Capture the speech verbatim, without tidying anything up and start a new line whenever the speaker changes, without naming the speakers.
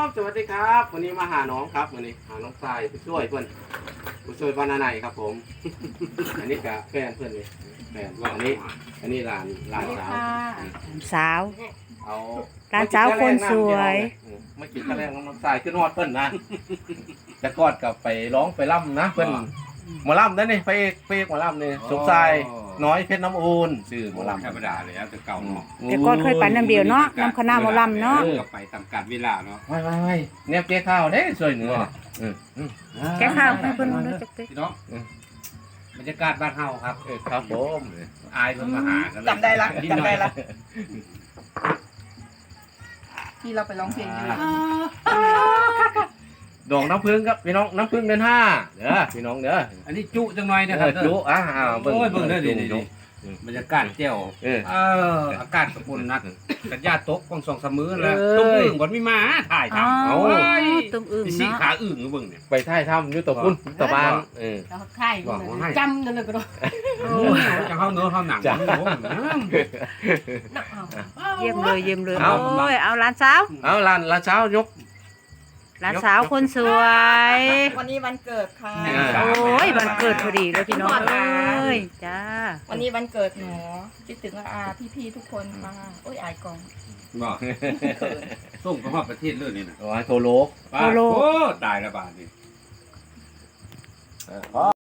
สวัสดีครับวันนี้มาหาน้องครับวันนี้หาน้องทรายผู้ช่วยเพื่อนผู้ช่วยบ้านนาไหนครับผม อันนี้กับแฟนเพื่อนนี่แฟนอันนี้อันนี้หลานหลานสาว
สาว
เอา
หลานสาวคนสวย
ไม่กินข้าวแรงน้องทรายขึ้นฮอดเพื่อนนะจะกอดกับไปร้องไปล่ำนะเพื่อนหมอล่ำนั่นนี่ไปเอกไปเอกหมอล่ำนี่สมชายน้อยเพชรน้ำอูนชื่อหมอล่ำ
ธรรมดาเลยครับแต่เก่าเนาะ
แต่ก่อนเคยไปน้ำเดียวเนาะน้ำคณะหมอลำเนาะ
ก็ไปตามการเวลาเนาะ
ไม่ไม่ไม่เนี่ยเกี้ยข้าวเด้สวยเหนืออืมอืม
แกข้าวให้เพิ่นรู้จักติ
พี่น้องบรรยากาศบ้านเฮาครับ
เออครับผม
อายเพิ่นมาหากัน
จำได้ละ
นิห
จำ
น่อย
ได้ละที่เราไปร้องเพลงอยู่
ดอกน้ำพึ่งครับพี่น้องน้ำพึ่งเดือนห้าเด้อพี่น้องเด้อ
อันนี้จุจังหน่อยนะค
เอ
รับ
อจุอ่าเบิ่ง
โอ้ยเบิ่งเด้อดิ
จุ
บรรยากาศเจ้า
เออ
เอออากาศกระปุ่นนักกันญาติตกกองสองสามมื้อแล้ว
เอ้ย
ต้มอึ่งบ่มีมาถ่าย
อ๋อ
ทำเอา
ตุ้มอึ่ง
สิ
เนาะ
ขาอึ่งเบิ่งเนี่ย
ไปท่ายถ้ำอยู่ตะพุ่นตะบานเออ
เราค่ายจำกันเลยก็ได้
โอ้ยจังเฮาเนื้อเฮาหนัง
จ้ะ
โอ้ย
เยี่ยมเลยเยี่ยมเลย
เอา
โอ้ยเอาหลานสาว
เอาลานลานเช้ายก
หลานสาวคนสวย
วันนี้วันเกิดค่ะ
โอ้ยวันเกิดพอดีเลยพี่น้องเอ้ยจ้า
วันนี้วันเกิดหนูคิดถึงอาพี่ๆทุกคนค่ะโอ้ยอายกอง
บอกส่งไปฮอดประเทศเลยนี่น่ะ
เอาไว้โทรโล
โอ้ตายละบาดนี่